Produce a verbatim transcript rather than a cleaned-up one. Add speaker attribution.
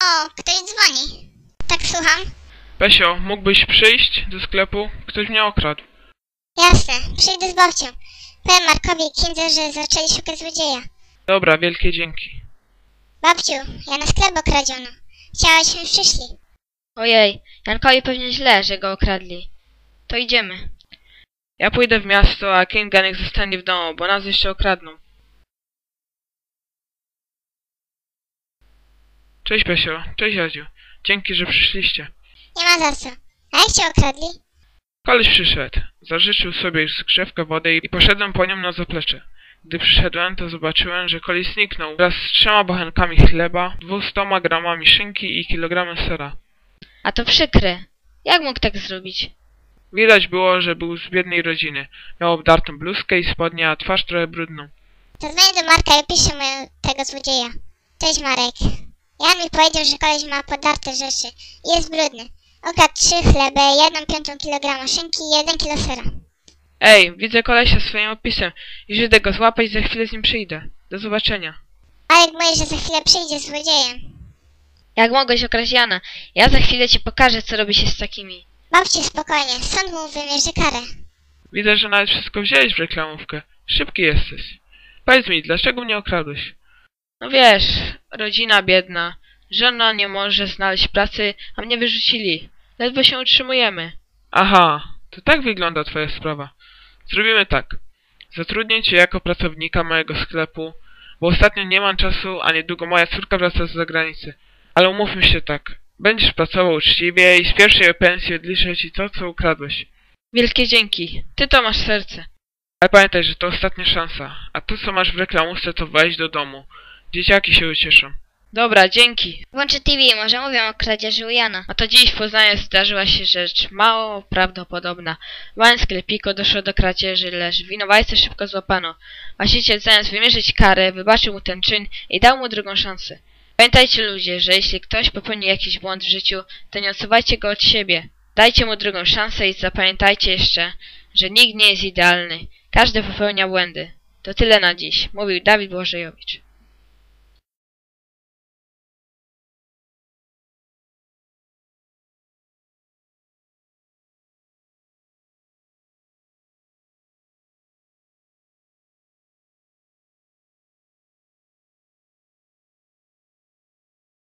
Speaker 1: O, ktoś dzwoni. Tak, słucham.
Speaker 2: Pesio, mógłbyś przyjść do sklepu? Ktoś mnie okradł.
Speaker 1: Jasne, przyjdę z babcią. Powiem Markowi i Kindze, że zaczęli szukać złodzieja.
Speaker 2: Dobra, wielkie dzięki.
Speaker 1: Babciu, ja na sklep okradziono. Chciałaś, żebyśmy przyszli.
Speaker 3: Ojej, Jankowi pewnie źle, że go okradli. To idziemy.
Speaker 2: Ja pójdę w miasto, a Kinga niech zostanie w domu, bo nas jeszcze okradną. Cześć Pesio, cześć Jadziu. Dzięki, że przyszliście.
Speaker 1: Nie ma za co. A jak cię okradli?
Speaker 2: Koleś przyszedł. Zażyczył sobie skrzewkę wody i poszedłem po nią na zaplecze. Gdy przyszedłem, to zobaczyłem, że koleś zniknął wraz z trzema bochenkami chleba, dwustoma gramami szynki i kilogramem sera.
Speaker 3: A to przykre. Jak mógł tak zrobić?
Speaker 2: Widać było, że był z biednej rodziny. Miał obdartą bluzkę i spodnie, a twarz trochę brudną.
Speaker 1: Zadzwonię do Marka i opiszę mu tego złodzieja. Cześć Marek. Jan mi powiedział, że koleś ma podarte rzeczy i jest brudny. Okradł trzy chleby, jedną piątą kilograma szynki i jeden kilo sera.
Speaker 2: Ej, widzę kolesia swoim opisem. Już idę go złapać i za chwilę z nim przyjdę. Do zobaczenia.
Speaker 1: Marek mówi, że za chwilę przyjdzie z złodziejem.
Speaker 3: Jak mogłeś okraść Jana? Ja za chwilę ci pokażę, co robi się z takimi.
Speaker 1: Babciu, spokojnie, sąd mu wymierzy karę.
Speaker 2: Widzę, że nawet wszystko wziąłeś w reklamówkę. Szybki jesteś. Powiedz mi, dlaczego mnie okradłeś?
Speaker 3: No wiesz, rodzina biedna. Żona nie może znaleźć pracy, a mnie wyrzucili. Ledwo się utrzymujemy.
Speaker 2: Aha, to tak wygląda twoja sprawa. Zrobimy tak. Zatrudnię cię jako pracownika mojego sklepu, bo ostatnio nie mam czasu, a niedługo moja córka wraca z zagranicy. Ale umówmy się tak. Będziesz pracował uczciwie i z pierwszej pensji odliczę ci to, co ukradłeś.
Speaker 3: Wielkie dzięki. Ty to masz serce.
Speaker 2: Ale pamiętaj, że to ostatnia szansa. A to, co masz w reklamówce, to wejść do domu. Dzieciaki się ucieszą.
Speaker 3: Dobra, dzięki.
Speaker 1: Włączę T V, może mówią o kradzieży u Jana.
Speaker 3: A to dziś w Poznaniu zdarzyła się rzecz mało prawdopodobna. W małym sklepiku doszło do kradzieży, lecz winowajcę szybko złapano. Właściciel zamiast wymierzyć karę, wybaczył mu ten czyn i dał mu drugą szansę. Pamiętajcie ludzie, że jeśli ktoś popełni jakiś błąd w życiu, to nie odsuwajcie go od siebie. Dajcie mu drugą szansę i zapamiętajcie jeszcze, że nikt nie jest idealny. Każdy popełnia błędy. To tyle na dziś, mówił Dawid Błażejowicz.